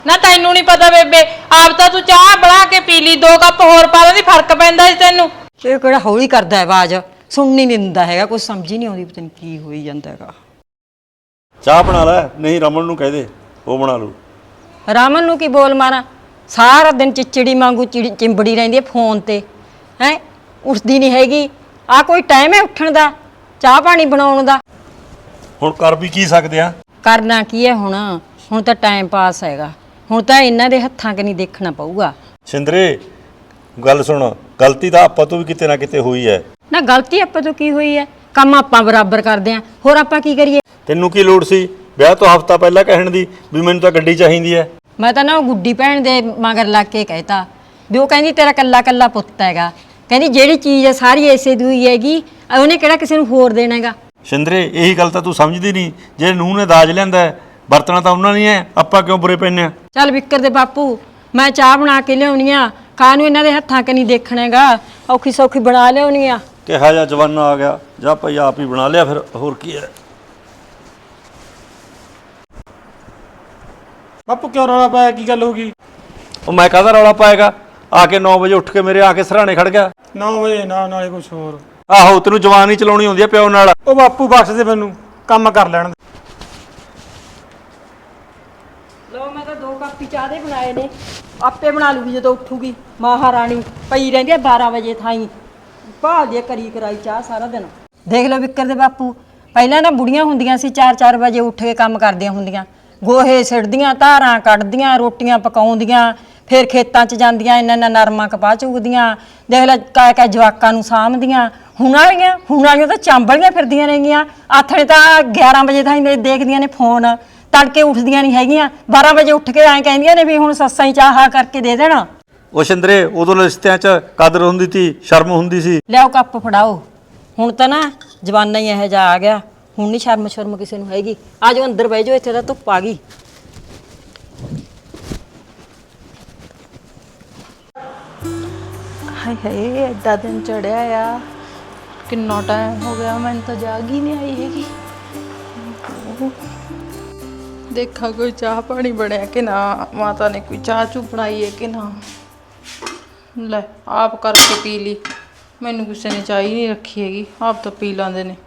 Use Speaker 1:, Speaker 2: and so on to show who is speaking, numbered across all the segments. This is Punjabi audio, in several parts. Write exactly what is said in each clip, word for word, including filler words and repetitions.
Speaker 1: ना तैनू नहीं पता बेबे आप तो तू चाह बना के पी ली दो कप होर पा दी फर्क पैंदा सी तैनू
Speaker 2: ਇਹ ਕਿਹੜਾ ਹੌਲੀ ਕਰਦਾ ਹੈ ਆਵਾਜ਼ ਸੁਣਨੀ ਨਹੀਂ ਦਿੰਦਾ ਹੈਗਾ ਕੁਝ ਸਮਝ ਹੀ ਨਹੀਂ ਆਉਂਦੀ ਪਤਾ ਨਹੀਂ ਕੀ ਹੋਈ ਜਾਂਦਾ ਹੈਗਾ।
Speaker 3: ਚਾਹ ਬਣਾ ਲੈ ਨਹੀਂ ਰਮਨ ਨੂੰ ਕਹਿ ਦੇ ਉਹ ਬਣਾ ਲੂ।
Speaker 2: ਰਾਮਨ ਨੂੰ ਕੀ ਬੋਲ ਮਾਰਾਂ ਸਾਰਾ ਦਿਨ ਚਿਚੜੀ ਵਾਂਗੂ ਚਿੰਬੜੀ ਰਹਿੰਦੀ ਹੈ ਫੋਨ ਤੇ ਹੈ ਉੱਠਦੀ ਨਹੀਂ ਹੈਗੀ। ਆ ਕੋਈ ਟਾਈਮ ਹੈ ਉੱਠਣ ਦਾ ਚਾਹ ਪਾਣੀ ਬਣਾਉਣ ਦਾ।
Speaker 3: ਹੁਣ ਕਰ ਵੀ ਕੀ ਸਕਦੇ ਆ
Speaker 2: ਕਰਨਾ ਕੀ ਹੈ ਹੁਣ ਹੁਣ ਤਾਂ ਟਾਈਮ ਪਾਸ ਹੈਗਾ ਹੁਣ ਤਾਂ ਇਹਨਾਂ ਦੇ ਹੱਥਾਂ ਕਿ ਨਹੀਂ ਦੇਖਣਾ ਪਊਗਾ।
Speaker 3: ਸਿੰਦਰੇ ਗੱਲ ਸੁਣ ਗਲਤੀ ਤਾਂ ਆਪਾਂ ਤੋਂ ਵੀ ਕਿਤੇ ਨਾ ਕਿਤੇ ਹੋਈ ਹੈ
Speaker 2: ਨਾ ਗਲਤੀ ਆਪਾਂ ਤੋਂ ਕੀ ਹੋਈ ਹੈ ਕੰਮ ਆਪਾਂ ਬਰਾਬਰ ਕਰਦੇ ਆਂ ਹੋਰ ਆਪਾਂ ਕੀ ਕਰੀਏ।
Speaker 3: ਤੈਨੂੰ ਕੀ ਲੋੜ ਸੀ ਵਿਆਹ ਤੋਂ ਹਫ਼ਤਾ ਪਹਿਲਾਂ ਕਹਿਣ ਦੀ ਵੀ ਮੈਨੂੰ ਤਾਂ ਗੱਡੀ ਚਾਹੀਦੀ ਹੈ।
Speaker 2: ਮੈਂ ਤਾਂ ਨਾ ਉਹ ਗੁੱਡੀ ਭੈਣ ਦੇ ਮਗਰ ਲੱਗ ਕੇ ਕਹਿਤਾ ਵੀ ਉਹ ਕਹਿੰਦੀ ਤੇਰਾ ਕੱਲਾ ਕੱਲਾ ਪੁੱਤ ਹੈਗਾ ਕਹਿੰਦੀ ਜਿਹੜੀ ਚੀਜ਼ ਹੈ ਸਾਰੀ ਐਸੇ ਦੀ ਹੋਈ ਹੈਗੀ ਉਹਨੇ ਕਿਹੜਾ ਕਿਸੇ ਨੂੰ ਹੋਰ ਦੇਣਾ ਹੈਗਾ।
Speaker 3: ਸਿੰਦਰੇ ਇਹੀ ਗੱਲ ਤਾਂ ਤੂੰ ਸਮਝਦੀ ਨਹੀਂ ਜੇ ਨੂੰਹ ਨੇ ਦਾਜ ਲਿਆਂਦਾ ਵਰਤਣਾ ਤਾਂ ਉਹਨਾਂ ਨਹੀਂ ਹੈ ਆਪਾਂ ਕਿਉਂ ਬੁਰੇ ਪੈਂਦੇ ਆ।
Speaker 2: ਚੱਲ ਵਿਕਰ ਦੇ ਬਾਪੂ ਮੈਂ ਚਾਹ ਬਣਾ ਕੇ ਲਿਆਉਣੀ ਆ ਕਾਹਨੂੰ ਇਹਨਾਂ ਦੇ ਹੱਥਾਂ ਕਿ ਨਹੀਂ ਦੇਖਣਾ ਹੈਗਾ ਔਖੀ ਸੌਖੀ ਬਣਾ ਲਿਆਉਣੀ ਆ।
Speaker 3: ਕਿਹਾ ਜਾ ਜਵਾਨਾ ਆ ਗਿਆ ਜਾਂ ਭਾਈ ਆਪ ਹੀ ਬਣਾ ਲਿਆ ਫਿਰ ਹੋਰ ਕੀ ਹੈ।
Speaker 4: ਬਾਪੂ ਕਿਉਂ ਰੌਲਾ ਪਾਇਆ ਕੀ ਗੱਲ ਹੋ ਗਈ?
Speaker 3: ਉਹ ਮੈਂ ਕਾਹਦਾ ਰੌਲਾ ਪਾਏਗਾ ਆ ਕੇ ਨੌ ਵਜੇ ਉੱਠ ਕੇ ਮੇਰੇ ਆ ਕੇ ਸਰਾਣੇ ਖੜ ਗਿਆ।
Speaker 4: ਨੌ ਵਜੇ ਨਾ ਨਾਲੇ ਕੁਛ ਹੋਰ।
Speaker 3: ਆਹੋ ਤੈਨੂੰ ਜਵਾਨ ਹੀ ਚਲਾਉਣੀ ਹੁੰਦੀ ਆ ਪਿਓ ਨਾਲ।
Speaker 4: ਉਹ ਬਾਪੂ ਬਖਸ਼ ਦੇ ਮੈਨੂੰ ਕੰਮ ਕਰ ਲੈਣ ਦੇ।
Speaker 2: ਲੋ ਮੈਂ ਤਾਂ ਦੋ ਕੱਪ ਚਾਹ ਦੇ ਬਣਾਏ ਨੇ ਆਪੇ ਬਣਾ ਲੂਗੀ ਜਦੋਂ ਉੱਠੂਗੀ ਮਹਾਰਾਣੀ ਪਈ ਰਹਿੰਦੀ ਆ ਬਾਰਾਂ ਵਜੇ ਥਾਈ ਭਾਲਦੀ ਆ ਕਰੀ ਕਰਾਈ ਚਾਹ ਸਾਰਾ ਦਿਨ। ਦੇਖ ਲਓ ਵਿਕਰ ਦੇ ਬਾਪੂ ਪਹਿਲਾਂ ਨਾ ਬੁੜੀਆਂ ਹੁੰਦੀਆਂ ਸੀ ਚਾਰ ਚਾਰ ਵਜੇ ਉੱਠ ਕੇ ਕੰਮ ਕਰਦੀਆਂ ਹੁੰਦੀਆਂ ਗੋਹੇ ਸਿੱਟਦੀਆਂ ਧਾਰਾਂ ਕੱਢਦੀਆਂ ਰੋਟੀਆਂ ਪਕਾਉਂਦੀਆਂ ਫਿਰ ਖੇਤਾਂ 'ਚ ਜਾਂਦੀਆਂ ਇੰਨਾ ਇੰਨਾ ਨਰਮਾ ਕਪਾਹ ਚੁਗਦੀਆਂ ਦੇਖ ਲੈ ਕਾ ਕਾ ਜਵਾਕਾਂ ਨੂੰ ਸਾਂਭਦੀਆਂ। ਹੁਣ ਵਾਲੀਆਂ ਹੁਣ ਵਾਲੀਆਂ ਤਾਂ ਚਾਂਬਲੀਆਂ ਫਿਰਦੀਆਂ ਰਹਿੰਗੀਆਂ ਆਥਣੇ ਤਾਂ ਗਿਆਰਾਂ ਵਜੇ ਥਾਈ ਦੇਖਦੀਆਂ ਨੇ ਫੋਨ ਤੜਕੇ ਉੱਠਦੀਆਂ ਨਹੀਂ ਹੈਗੀਆਂ ਬਾਰਾਂ ਵਜੇ ਉੱਠ ਕੇ ਐਂ ਕਹਿੰਦੀਆਂ ਨੇ ਵੀ ਹੁਣ ਸੱਸਾਂ ਹੀ ਚਾਹ ਕਰਕੇ ਦੇ ਦੇਣਾ।
Speaker 3: ਉਹ ਸਿੰਦਰੇ ਉਦੋਂ ਰਿਸ਼ਤਿਆਂ 'ਚ ਕਦਰ ਹੁੰਦੀ ਸੀ ਸ਼ਰਮ ਹੁੰਦੀ ਸੀ।
Speaker 2: ਲਿਆਓ ਕੱਪ ਫੜਾਓ ਹੁਣ ਤਾਂ ਨਾ ਜਵਾਨਾ ਹੀ ਇਹੋ ਜਿਹਾ ਆ ਗਿਆ ਹੁਣ ਨਹੀਂ ਸ਼ਰਮ ਸ਼ਰਮ ਕਿਸੇ ਨੂੰ ਹੈਗੀ। ਆ ਜਾਓ ਅੰਦਰ ਬਹਿ ਜਾਓ ਇੱਥੇ ਤਾਂ ਧੁੱਪ ਆ ਗਈ।
Speaker 5: ਹਾਏ ਹਾਏ ਐਡਾ ਦਿਨ ਚੜਿਆ ਆ ਕਿੰਨਾ ਟਾਈਮ ਹੋ ਗਿਆ ਮੈਨੂੰ ਤਾਂ ਜਾਗ ਹੀ ਨਹੀਂ ਆਈ ਹੈਗੀ। ਦੇਖਾਂ ਕੋਈ ਚਾਹ ਪਾਣੀ ਬਣਿਆ ਕਿ ਨਾ ਮਾਤਾ ਨੇ ਕੋਈ ਚਾਹ ਚੂ ਬਣਾਈ ਹੈ ਕਿ ਨਾ। ਲੈ ਆਪ ਕਰਕੇ ਪੀ ਲਈ ਮੈਨੂੰ ਕਿਸੇ ਨੇ ਚਾਹ ਹੀ ਨਹੀਂ ਰੱਖੀ ਹੈਗੀ ਆਪ ਤਾਂ ਪੀ ਲਾਂਦੇ ਨੇ।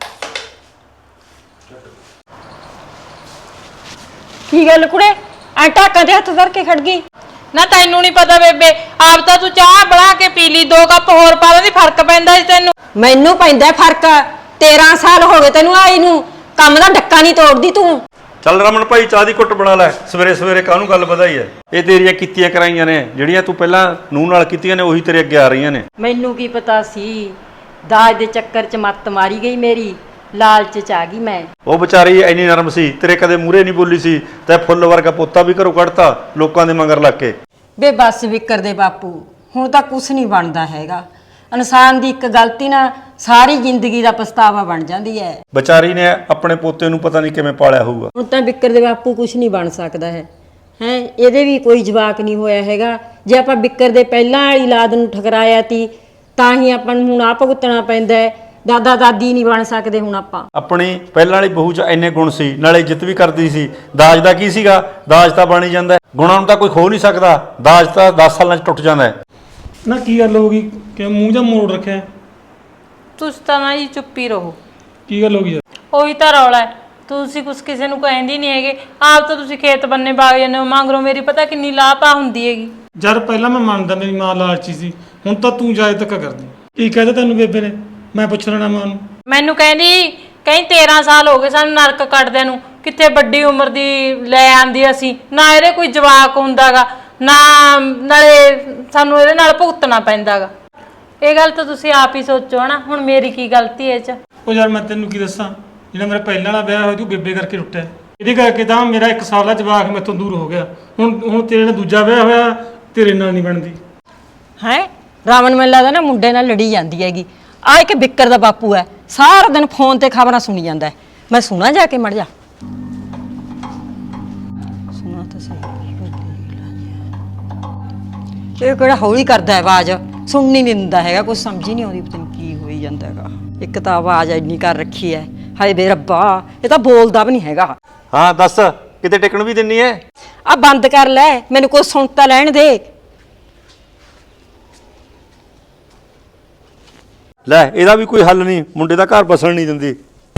Speaker 2: ਕੀ ਗੱਲ ਕੁੜੇ ਐ ਟਾਕਾਂ ਦੇ ਹੱਥ ਧਰ ਕੇ ਖੜ ਗਈ।
Speaker 1: ना तैनू नहीं पता बेबे आप तो तू चाह बना के पी ली दो कप होर पा दी फर्क पैंदा सी तैनू
Speaker 2: ਮੈਨੂੰ ਪੈਂਦਾ ਫਰਕ तेरह ਸਾਲ ਹੋ ਗਏ ਤੈਨੂੰ ਆਈ ਨੂੰ ਕੰਮ ਦਾ ਡੱਕਾ ਨਹੀਂ ਤੋੜਦੀ ਤੂੰ।
Speaker 3: ਚੱਲ ਰਮਨ ਭਾਈ ਚਾਹ ਦੀ ਘੁੱਟ ਬਣਾ ਲੈ ਸਵੇਰੇ ਸਵੇਰੇ ਕਾਹਨੂੰ ਗੱਲ ਵਧਾਈ ਹੈ। ਇਹ ਤੇਰੀਆਂ ਕੀਤੀਆਂ ਕਰਾਈਆਂ ਨੇ ਜਿਹੜੀਆਂ ਤੂੰ ਪਹਿਲਾਂ ਨੂੰਹ ਨਾਲ ਕੀਤੀਆਂ ਨੇ ਉਹੀ ਤੇਰੇ ਅੱਗੇ ਆ ਰਹੀਆਂ ਨੇ।
Speaker 2: ਮੈਨੂੰ ਕੀ ਪਤਾ ਸੀ ਦਾਜ ਦੇ ਚੱਕਰ 'ਚ ਮੱਤ ਮਾਰੀ ਗਈ ਮੇਰੀ ਲਾਲਚ 'ਚ ਆ ਗਈ ਮੈਂ।
Speaker 3: ਉਹ ਵਿਚਾਰੀ ਇੰਨੀ ਨਰਮ ਸੀ ਤੇਰੇ ਕਦੇ ਮੂਹਰੇ ਨਹੀਂ ਬੋਲੀ ਸੀ ਤੇ ਫੁੱਲ ਵਰਗਾ ਪੋਤਾ ਵੀ ਘਰੋਂ ਕੱਢਤਾ ਲੋਕਾਂ ਦੇ ਮਗਰ ਲੱਗ ਕੇ।
Speaker 2: ਬੇ ਬੱਸ ਵਿਕਰ ਦੇ ਬਾਪੂ ਹੁਣ ਤਾਂ ਕੁਛ ਨਹੀਂ ਬਣਦਾ ਹੈਗਾ ਇਨਸਾਨ ਦੀ ਇੱਕ ਗਲਤੀ ਨਾਲ ਸਾਰੀ ਜ਼ਿੰਦਗੀ ਦਾ ਪਛਤਾਵਾ ਬਣ ਜਾਂਦੀ ਹੈ।
Speaker 3: ਵਿਚਾਰੀ ਨੇ ਆਪਣੇ ਪੋਤੇ ਨੂੰ ਪਤਾ ਨਹੀਂ ਕਿਵੇਂ ਪਾਲਿਆ ਹੋਊਗਾ।
Speaker 2: ਹੁਣ ਤਾਂ ਵਿਕਰ ਦੇ ਬਾਪੂ ਕੁਛ ਨਹੀਂ ਬਣ ਸਕਦਾ ਹੈ ਹੈ ਇਹਦੇ ਵੀ ਕੋਈ ਜਵਾਕ ਨਹੀਂ ਹੋਇਆ ਹੈਗਾ। ਜੇ ਆਪਾਂ ਵਿਕਰ ਦੇ ਪਹਿਲਾਂ ਵਾਲੀ ਔਲਾਦ ਨੂੰ ਠਕਰਾਇਆ ਤੀ ਤਾਂ ਹੀ ਆਪਾਂ ਨੂੰ ਹੁਣ ਆ ਭੁਗਤਣਾ ਪੈਂਦਾ ਹੈ। ਦਾਦਾ ਦਾਦੀ ਨਹੀਂ ਬਣ ਸਕਦੇ ਹੁਣ ਆਪਾਂ।
Speaker 3: ਆਪਣੀ ਪਹਿਲਾਂ ਵਾਲੀ ਬਹੂ 'ਚ ਇੰਨੇ ਗੁਣ ਸੀ ਨਾਲੇ ਇੱਜ਼ਤ ਵੀ ਕਰਦੀ ਸੀ। ਦਾਜ ਦਾ ਕੀ ਸੀਗਾ ਦਾਜ ਤਾਂ ਬਣ ਹੀ ਜਾਂਦਾ ਗੁਣਾਂ ਨੂੰ ਤਾਂ ਕੋਈ ਖੋ ਨਹੀਂ ਸਕਦਾ ਦਾਜ ਤਾਂ ਦਸ ਸਾਲਾਂ 'ਚ ਟੁੱਟ ਜਾਂਦਾ ਹੈ।
Speaker 4: ਨਾ ਕੀ ਗੱਲ ਹੋ ਗਈ ਕਿ ਮੂੰਹ ਜਾਂ ਮੋੜ ਰੱਖਿਆ?
Speaker 1: तुस तो ना जी चुप ही रहो
Speaker 4: ਕੀ ਗੱਲ ਹੋ ਗਈ?
Speaker 1: ਉਹੀ ਤਾਂ ਰੌਲਾ ਹੈ ਤੁਸੀਂ ਕੁਛ ਕਿਸੇ ਨੂੰ ਕਹਿੰਦੀ ਨਹੀਂ ਹੈਗੇ ਆਪ ਤਾਂ ਤੁਸੀਂ ਖੇਤ ਬੰਨੇ ਬਾਗ ਜਾਂਦੇ ਹੋ ਮੰਗਰੋਂ ਮੇਰੀ ਪਤਾ ਕਿੰਨੀ ਲਾਪਾ ਹੁੰਦੀ ਹੈਗੀ।
Speaker 4: ਜਦ ਪਹਿਲਾਂ ਮੈਂ ਮੰਨਦਾ ਮੇਰੀ ਮਾਂ ਲਾਲਚੀ ਸੀ ਹੁਣ ਤਾਂ ਤੂੰ ਜਾਇ ਤੱਕ ਕਰਦੀ। ਕੀ ਕਹਿੰਦਾ ਤੈਨੂੰ ਬੇਬੇ ਨੇ? ਮੈਂ ਪੁੱਛ ਲੈਣਾ ਮਾਂ ਨੂੰ।
Speaker 1: ਮੈਨੂੰ ਕਹਿੰਦੀ ਕਹੀਂ ਤੇਰਾਂ ਸਾਲ ਹੋ ਗਏ ਸਾਨੂੰ ਨਰਕ ਕੱਟਦਿਆਂ ਨੂੰ ਕਿੱਥੇ ਵੱਡੀ ਉਮਰ ਦੀ ਲੈ ਆਂਦੀ ਅਸੀਂ ਨਾ ਇਹਦੇ ਕੋਈ ਜਵਾਕ ਹੁੰਦਾਗਾ ਨਾ ਨਾਲੇ ਸਾਨੂੰ ਇਹਦੇ ਨਾਲ ਭੁਗਤਣਾ ਪੈਂਦਾਗਾ। ਇਹ ਗੱਲ ਤਾਂ ਤੁਸੀਂ ਆਪ ਹੀ ਸੋਚੋ ਨਾ ਹੁਣ ਮੇਰੀ ਕੀ ਗਲਤੀ ਹੈ ਇਹ 'ਚ।
Speaker 4: ਉਹ ਯਾਰ ਮੈਂ ਤੈਨੂੰ ਕੀ ਦੱਸਾਂ ਜਿਹੜਾ ਮੇਰਾ ਪਹਿਲਾਂ ਵਾਲਾ ਵਿਆਹ ਹੋਇਆ ਤੂੰ ਬੇਬੇ ਕਰਕੇ ਟੁੱਟਿਆ ਇਹਦੇ ਕਰਕੇ ਤਾਂ ਮੇਰਾ ਇੱਕ ਸਾਲ ਦਾ ਜਵਾਕ ਮੈਥੋਂ ਦੂਰ ਹੋ ਗਿਆ। ਹੁਣ ਹੁਣ ਤੇਰੇ ਨਾਲ ਦੂਜਾ ਵਿਆਹ ਹੋਇਆ ਤੇਰੇ ਨਾਲ ਨਹੀਂ ਬਣਦੀ
Speaker 2: ਹੈ ਰਾਵਣ ਮੈਨੂੰ ਲੱਗਦਾ ਨਾ ਮੁੰਡੇ ਨਾਲ ਲੜੀ ਜਾਂਦੀ ਹੈਗੀ। ਆ ਇੱਕ ਵਿਕਰ ਦਾ ਬਾਪੂ ਹੈ ਸਾਰਾ ਦਿਨ ਫੋਨ ਤੇ ਖਬਰਾਂ ਸੁਣੀ ਜਾਂਦਾ ਹੈ। ਮੈਂ ਸੁਣਾ ਜਾ ਕੇ ਮੜ ਜਾ ਸੁਣਾ ਤਾਂ ਸਹੀ ਇਹ ਕਿਹੜਾ ਹੌਲੀ ਕਰਦਾ ਆਵਾਜ਼ ਸੁਣਨੀ ਨਹੀਂ ਦਿੰਦਾ ਹੈਗਾ ਕੁਝ ਸਮਝ ਹੀ ਨਹੀਂ ਆਉਂਦੀ ਪਤਾ ਨਹੀਂ ਕੀ ਹੋਈ ਜਾਂਦਾ ਹੈਗਾ। ਇੱਕ ਤਾਂ ਆਵਾਜ਼ ਇੰਨੀ ਕਰ ਰੱਖੀ ਹੈ ਹਾਏ ਬੇ ਰੱਬਾ ਇਹ ਤਾਂ ਬੋਲਦਾ ਵੀ ਨਹੀਂ ਹੈਗਾ।
Speaker 3: ਹਾਂ ਦੱਸ ਕਿਤੇ ਟਿਕਣ ਵੀ ਦਿੰਨੀ ਐ?
Speaker 2: ਆ ਬੰਦ ਕਰ ਲੈ, ਮੈਨੂੰ ਕੋਈ ਸੁਣ ਤਾਂ ਲੈਣ ਦੇ।
Speaker 3: ਲੈ ਇਹਦਾ ਵੀ ਕੋਈ ਹੱਲ ਨਹੀਂ, ਮੁੰਡੇ ਦਾ ਘਰ ਬਸਣ ਨਹੀਂ ਦਿੰਦੀ।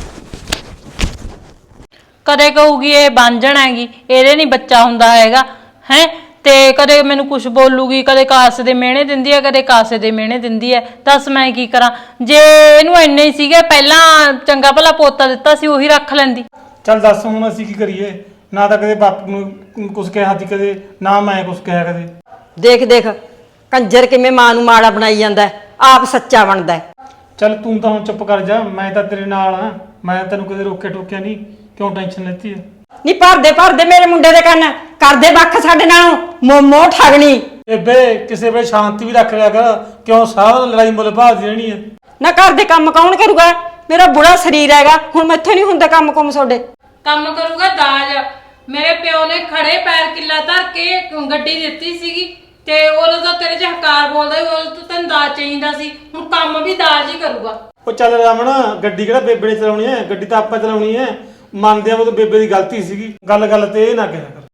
Speaker 1: ਕਦੇ ਕਹੂਗੀ ਇਹ ਬਾਂਝਣ ਹੈਗੀ, ਇਹਦੇ ਨਹੀਂ ਬੱਚਾ ਹੁੰਦਾ ਹੈਗਾ ਹੈ, ਤੇ ਕਦੇ ਮੈਨੂੰ ਕੁਝ ਬੋਲੂਗੀ, ਕਦੇ ਕਾਸੇ ਦੇ ਮਿਹਣੇ ਦਿੰਦੀ ਹੈ, ਕਦੇ ਕਾਸੇ ਦੇ ਮਿਹਣੇ ਦਿੰਦੀ ਹੈ। ਦੱਸ ਮੈਂ ਕੀ ਕਰਾਂ? ਜੇ ਇਹਨੂੰ ਇੰਨੇ ਹੀ ਸੀਗੇ ਪਹਿਲਾਂ ਚੰਗਾ ਭਲਾ ਪੋਤਾ ਦਿੱਤਾ ਸੀ, ਉਹੀ ਰੱਖ ਲੈਂਦੀ।
Speaker 4: ਚੱਲ ਦੱਸ ਹੁਣ ਅਸੀਂ ਕੀ ਕਰੀਏ? ਨਾ ਤਾਂ ਕਦੇ ਬਾਪੂ ਨੂੰ ਕੁਝ ਕਿਹਾ ਸੀ, ਕਦੇ ਨਾ ਮੈਂ ਕੁਝ ਕਿਹਾ ਕਦੇ।
Speaker 2: ਦੇਖ ਦੇਖ ਕੰਜਰ ਕਿਵੇਂ ਮਾਂ ਨੂੰ ਮਾੜਾ ਬਣਾਈ ਜਾਂਦਾ, ਆਪ ਸੱਚਾ ਬਣਦਾ।
Speaker 4: ਚੱਲ ਤੂੰ ਤਾਂ ਹੁਣ ਚੁੱਪ ਕਰ ਜਾ, ਮੈਂ ਤਾਂ ਤੇਰੇ ਨਾਲ ਆ, ਮੈਂ ਤੈਨੂੰ ਕਦੇ ਰੋਕਿਆ ਟੋਕਿਆ ਨਹੀਂ, ਕਿਉਂ ਟੈਨਸ਼ਨ ਲੈਤੀ ਹੈ?
Speaker 2: ਨਹੀਂ ਭਰਦੇ ਭਰਦੇ ਮੇਰੇ ਮੁੰਡੇ ਦੇ ਕੰਨ, ਕਰਦੇ ਵੱਖ ਸਾਡੇ ਨਾਲੋਂ, ਮੋਮੋ ਠਗਣੀ।
Speaker 4: ਬੇਬੇ ਕਿਸੇ ਵੇਲੇ ਸ਼ਾਂਤੀ ਵੀ ਰੱਖ ਲਿਆ ਕਰ, ਕਿਉਂ ਸਾਰਾ ਦਿਨ ਲੜਾਈ ਮੁੱਲ ਭਾਲਦੀ ਰਹਿਣੀ ਹੈ?
Speaker 2: ਨਾ ਘਰ ਦੇ ਕੰਮ ਕੌਣ ਕਰੂਗਾ? ਮੇਰਾ ਬੁੜਾ ਸਰੀਰ ਹੈਗਾ, ਹੁਣ ਮੈਥੋਂ ਨਹੀਂ ਹੁੰਦਾ ਕੰਮ ਕੁਮ ਤੁਹਾਡੇ।
Speaker 1: ਕੰਮ ਕਰੂਗਾ ਦਾਜ। ਮੇਰੇ ਪਿਓ ਨੇ ਖੜੇ ਪੈਰ ਕਿੱਲਾ ਧਰ ਕੇ ਗੱਡੀ ਦਿੱਤੀ ਸੀਗੀ, ਤੇ ਉਦੋਂ ਤਾਂ ਤੇਰੇ ਚ ਹਕਾਰ ਬੋਲਦਾ, ਉਦੋਂ ਤਾਂ ਤੈਨੂੰ ਦਾਜ ਚਾਹੀਦਾ ਸੀ, ਹੁਣ ਕੰਮ ਵੀ ਦਾਜ ਹੀ ਕਰੂਗਾ।
Speaker 4: ਉਹ ਚੱਲ ਰਮਣ, ਗੱਡੀ ਕਿਹੜਾ ਬੇਬੇ ਨੇ ਚਲਾਉਣੀ ਹੈ? ਗੱਡੀ ਤਾਂ ਆਪਾਂ ਚਲਾਉਣੀ ਹੈ। ਮੰਨਦੇ ਆ ਉਹ ਤਾਂ ਬੇਬੇ ਦੀ ਗਲਤੀ ਸੀਗੀ, ਗੱਲ ਗੱਲ ਤੇ ਇਹ ਨਾ ਕਿਹਾ ਕਰ।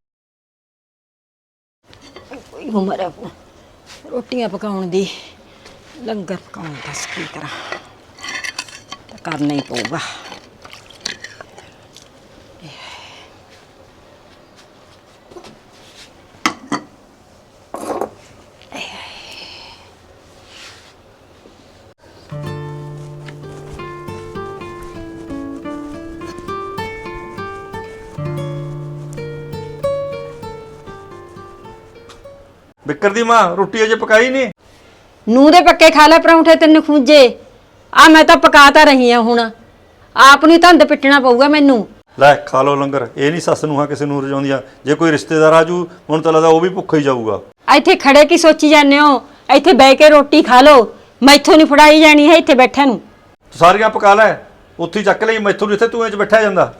Speaker 2: ਕੋਈ ਉਮਰ ਹੈ ਰੋਟੀਆਂ ਪਕਾਉਣ ਦੀ, ਲੰਗਰ ਪਕਾਉਣ ਦਾ, ਕੀ ਕਰਾਂ, ਤਾਂ ਕਰਨਾ ਹੀ ਪਊਗਾ।
Speaker 3: ਬਿੱਕਰ ਦੀ ਮਾਂ ਰੋਟੀ ਅਜੇ ਪਕਾਈ ਨਹੀਂ?
Speaker 2: ਨੂੰਹ ਦੇ ਪੱਕੇ ਖਾ ਲੈ ਪਰੌਂਠੇ ਤੈਨੂੰ ਖੂੰਜੇ। ਆ ਮੈਂ ਤਾਂ ਪਕਾ ਤਾਂ ਰਹੀ ਆ, ਹੁਣ ਆਪ ਨੂੰ ਧੰਦ ਪਿੱਟਣਾ ਪਊਗਾ ਮੈਨੂੰ।
Speaker 3: ਲੈ ਖਾ ਲਓ ਲੰਗਰ, ਇਹ ਨਹੀਂ ਸੱਸ ਨੂੰ ਹਾਂ ਕਿਸੇ ਨੂੰ ਰਜਾਉਂਦੀਆਂ। ਜੇ ਕੋਈ ਰਿਸ਼ਤੇਦਾਰ ਆਜੂ ਹੁਣ ਤਾਂ ਲੱਗਦਾ ਉਹ ਵੀ ਭੁੱਖਾ ਹੀ ਜਾਊਗਾ।
Speaker 2: ਇੱਥੇ ਖੜੇ ਕੀ ਸੋਚੀ ਜਾਂਦੇ ਹੋ? ਇੱਥੇ ਬਹਿ ਕੇ ਰੋਟੀ ਖਾ ਲਓ, ਮੈਥੋਂ ਨਹੀਂ ਫੜਾਈ ਜਾਣੀ ਹੈ ਇੱਥੇ ਬੈਠਿਆਂ ਨੂੰ।
Speaker 3: ਤੂੰ ਸਾਰੀਆਂ ਪਕਾ ਲੈ, ਉੱਥੇ ਹੀ ਚੱਕ ਲਈ, ਮੈਥੋਂ ਜਿੱਥੇ ਤੂੰ ਇਹ 'ਚ ਬੈਠਿਆ ਜਾਂਦਾ।